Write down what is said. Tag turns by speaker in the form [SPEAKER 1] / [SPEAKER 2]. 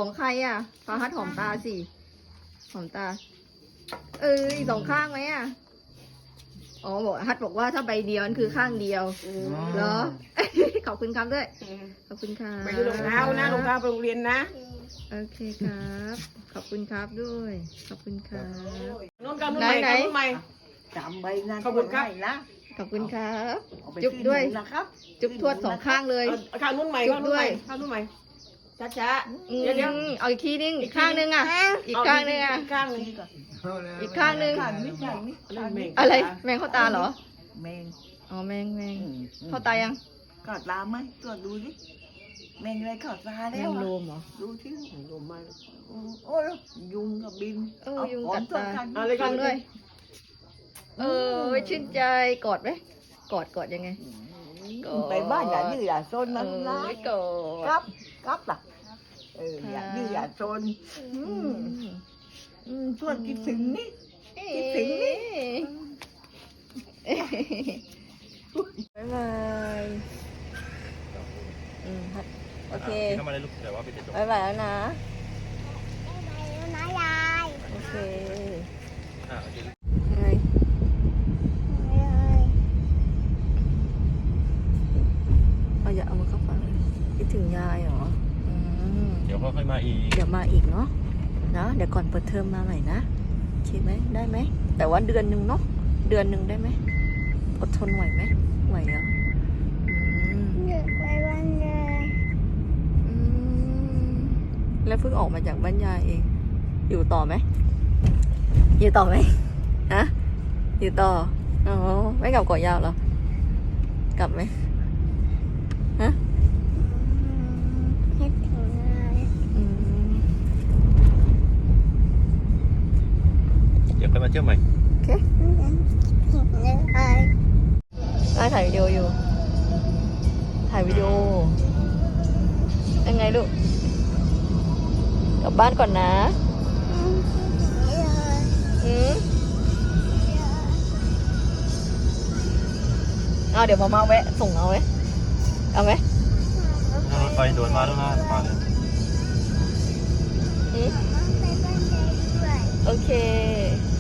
[SPEAKER 1] ของใครอ่ะฟาฮัดหอมตาสิหอมตาอีกสองข้างไหมอ่ะอ๋อบอกฮัดบอกว่าถ้าใบเดียวนั่นคือข้างเดียวเหรอ ขอบคุณครับด้วยขอบคุณครับ
[SPEAKER 2] ไปดูรองเท้านะรองเท้าไปโรงเรียนนะ
[SPEAKER 1] โอเคครับขอบคุณครับด้วยขอบคุณครับ
[SPEAKER 2] นุ่นกันนุ่นใหม่กันนุ่นใหม่
[SPEAKER 3] จำใบนั้น
[SPEAKER 2] ขอบคุณครับ
[SPEAKER 3] นะ
[SPEAKER 1] ขอบคุณครับ
[SPEAKER 3] เอาไป
[SPEAKER 1] จุ๊บด้วย
[SPEAKER 3] ที่หนูนะครับ
[SPEAKER 1] จุ๊บทวดสองข้างเลย
[SPEAKER 2] เอาข้างนุ่นใหม่ข้างนุ่นใหม่ข้างนุ่นใหม่ช้าๆเดี๋ยว
[SPEAKER 1] เอาอีกทีนึงอีกข้างนึงอ่ะอีกข้างนึงอ่ะ
[SPEAKER 2] อีกข้างนึง
[SPEAKER 3] นี่ก่อน
[SPEAKER 1] อีกข้างนึง
[SPEAKER 3] ข้างนี้ข้างนี้ข้างนี้
[SPEAKER 1] อะไรแมงเข้าตาเหรอ
[SPEAKER 3] แมง
[SPEAKER 1] อ๋อแมง
[SPEAKER 3] อืม
[SPEAKER 1] เข้าตายัง
[SPEAKER 3] เข้าตาไหมตรวจดูสิแมงอะไรเข้าตา
[SPEAKER 1] แม
[SPEAKER 3] แล้ว
[SPEAKER 1] ง
[SPEAKER 3] อะ
[SPEAKER 1] โลมเหรอ
[SPEAKER 3] ดูที่
[SPEAKER 2] ลมมา
[SPEAKER 3] โอ้ยยุงกับบิน
[SPEAKER 1] ยุง
[SPEAKER 3] หอ
[SPEAKER 1] กั
[SPEAKER 3] ม
[SPEAKER 1] ด
[SPEAKER 3] ตัว
[SPEAKER 1] ตา
[SPEAKER 3] กัน
[SPEAKER 2] เอาเลย
[SPEAKER 1] ฟังด้วยชื่นใจกอดไหมกอดยังไง
[SPEAKER 3] ไปบ้านอย่าดื้ออย่าซนนะนะ
[SPEAKER 1] กอ
[SPEAKER 3] ครั
[SPEAKER 1] ด
[SPEAKER 3] ครับล่ะอย่าดื้ออย่าซนชวนคิดถึงนี่ คิดถึงนี่
[SPEAKER 1] บ๊ายบายโอเค
[SPEAKER 4] เข้ามาได้ลูกแต่ว่าไปจะจบ
[SPEAKER 1] บ๊ายบายแล้วนะ
[SPEAKER 5] นะยาย
[SPEAKER 1] โอเค
[SPEAKER 4] โอเค
[SPEAKER 1] ยังไงอย่าเอามาเข้าฟังเลยคิดถึงยายเหรอ
[SPEAKER 4] เดี๋ยวค่อยมาอีก
[SPEAKER 1] เดี๋ยวมาอีกเนาะนะเดี๋ยวก่อนเปิดเทอมมาใหม่นะโอเคไหมได้ไหมแต่ว่าเดือนหนึ่งเนาะเดือนหนึ่งได้ไหมอดทนไหวไหมไหวเหรอ
[SPEAKER 5] เด็กไปวันเลย
[SPEAKER 1] แล้วเพิ่งออกมาจากบ้านยายเอง อยู่ต่อไหมอยู่ต่อไหมฮะอยู่ต่ออ๋อไม่กลับเกาะยาวเหรอกลับไหมฮะ
[SPEAKER 5] คิดถึงเลย
[SPEAKER 4] เดี๋ยวค่อยมาเที่ยวใหม่
[SPEAKER 1] โอเค
[SPEAKER 5] คิดถึงเลย
[SPEAKER 1] ถ่ายวิดีโออยู่ถ่ายวิดีโอยังไงลูกกลับบ้านก่อนนะเอาเดี๋ยวมาแวะส่งเอาไหมเอาไหม
[SPEAKER 4] ถ้ารถไฟโดนมาแล้วนะมาเลย
[SPEAKER 1] โอเค